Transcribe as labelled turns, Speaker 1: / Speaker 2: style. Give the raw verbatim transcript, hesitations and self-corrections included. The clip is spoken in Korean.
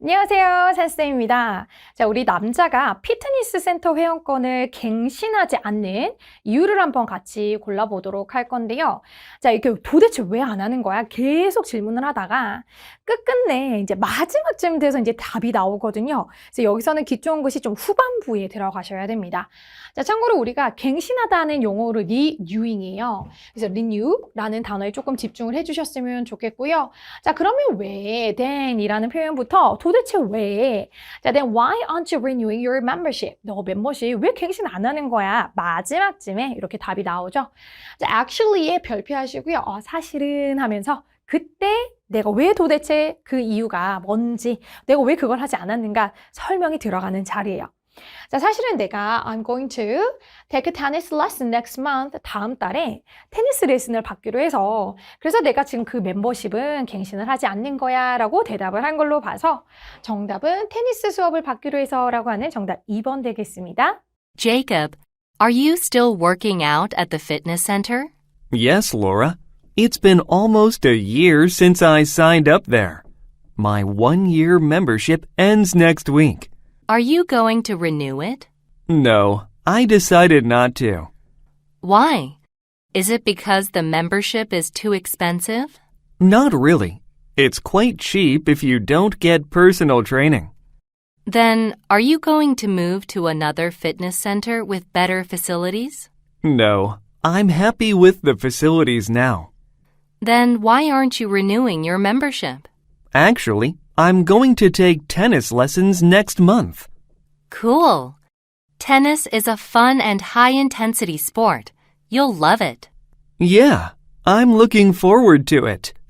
Speaker 1: 안녕하세요, 산쌤입니다. 자, 우리 남자가 피트니스 센터 회원권을 갱신하지 않는 이유를 한번 같이 골라보도록 할 건데요. 자, 이게 도대체 왜 안 하는 거야? 계속 질문을 하다가 끝끝내 이제 마지막쯤 돼서 이제 답이 나오거든요. 그래서 여기서는 귀 좋은 것이 좀 후반부에 들어가셔야 됩니다. 자, 참고로 우리가 갱신하다는 용어로 renewing이에요. 그래서 renew라는 단어에 조금 집중을 해주셨으면 좋겠고요. 자, 그러면 왜 then이라는 표현부터 도대체 왜? 자, then why aren't you renewing your membership? 너 멤버십 왜 갱신 안 하는 거야? 마지막쯤에 이렇게 답이 나오죠. 자, actually에 별표하시고요. 어, 사실은 하면서 그때 내가 왜 도대체 그 이유가 뭔지, 내가 왜 그걸 하지 않았는가 설명이 들어가는 자리예요. 자, 사실은 내가 I'm going to take a tennis lesson next month. 다음 달에 테니스 레슨을 받기로 해서 그래서 내가 지금 그 멤버십은 갱신을 하지 않는 거야 라고 대답을 한 걸로 봐서 정답은 테니스 수업을 받기로 해서 라고 하는 정답 이 번 되겠습니다.
Speaker 2: Jacob, are you still working out at the fitness center?
Speaker 3: Yes, Laura. It's been almost a year since I signed up there. My one-year membership ends next week.
Speaker 2: Are you going to renew it?
Speaker 3: No, I decided not to.
Speaker 2: Why? Is it because the membership is too expensive?
Speaker 3: Not really. It's quite cheap if you don't get personal training.
Speaker 2: Then, are you going to move to another fitness center with better facilities?
Speaker 3: No, I'm happy with the facilities now.
Speaker 2: Then why aren't you renewing your membership?
Speaker 3: Actually, I'm going to take tennis lessons next month.
Speaker 2: Cool. Tennis is a fun and high-intensity sport. You'll love it.
Speaker 3: Yeah, I'm looking forward to it.